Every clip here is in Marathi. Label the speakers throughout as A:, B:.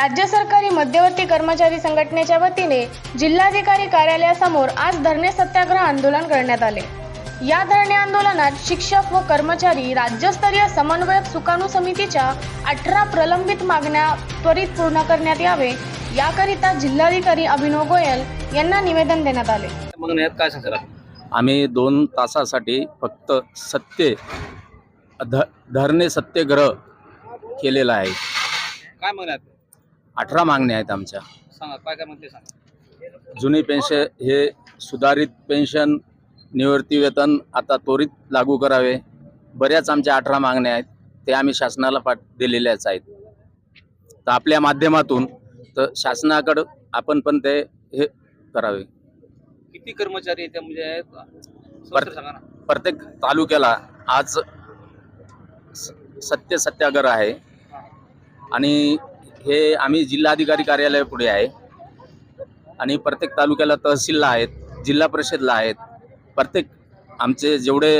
A: राज्य सरकारी मध्यवर्ती कर्मचारी संघटनेच्या वतीने जिल्हाधिकारी कार्यालयासमोर आज धरणे सत्याग्रह आंदोलन करण्यात आले। या धरणे आंदोलनात शिक्षक व कर्मचारी राज्यस्तरीय समन्वयक सुकाणू समितीच्या 18 प्रलंबित मागण्या त्वरित पूर्ण करण्यात यावे याकरिता जिल्हाधिकारी अभिनव गोयल यांना निवेदन देण्यात आले।
B: काय सांगता?
C: आम्ही 2 तासासाठी फक्त धरणे सत्याग्रह केलेला आहे।
B: काय मागण्या आहेत?
C: 18 मागण्या आहेत आमच्या।
B: सांगा काय म्हणते सांगा।
C: जुनी पेन्शन हे सुधारित पेन्शन, निवृत्ती वेतन आता त्वरित लागू करावे। बऱ्याच आमच्या 18 मागण्या आहेत, ते आम्ही शासनाला दिलेल्याच आहेत। तर आपल्या माध्यमातून तर शासनाकडे आपण पण ते हे करावे।
B: किती कर्मचारी आहेत म्हणजे सांगा ना।
C: प्रत्येक तालुक्याला आज सत्याग्रह आहे आणि हे आम्ही जिल्हाधिकारी कार्यालयापुढे आहे आणि प्रत्येक तालुक्याला तहसीलला आहेत, जिल्हा परिषदला आहेत। प्रत्येक आमचे जेवढे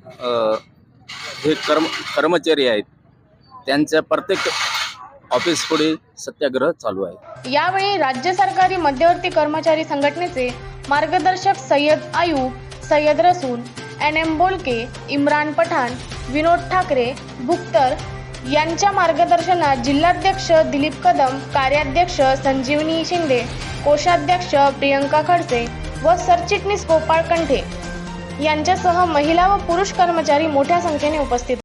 C: हे कर्मचारी आहेत त्यांच्या प्रत्येक ऑफिस पुढे सत्याग्रह चालू आहे।
A: यावेळी राज्य सरकारी मध्यवर्ती कर्मचारी संघटनेचे मार्गदर्शक सय्यद आयूब, सय्यद रसूल, NM बोलके, इम्रान पठाण, विनोद ठाकरे, बुक्तर यांच्या मार्गदर्शनात जिल्हाध्यक्ष दिलीप कदम, कार्याध्यक्ष संजीवनी शिंदे, कोषाध्यक्ष प्रियंका खडसे व सरचिटणीस गोपाळ कंठे यांच्यासह महिला व पुरुष कर्मचारी मोठ्या संख्येने उपस्थित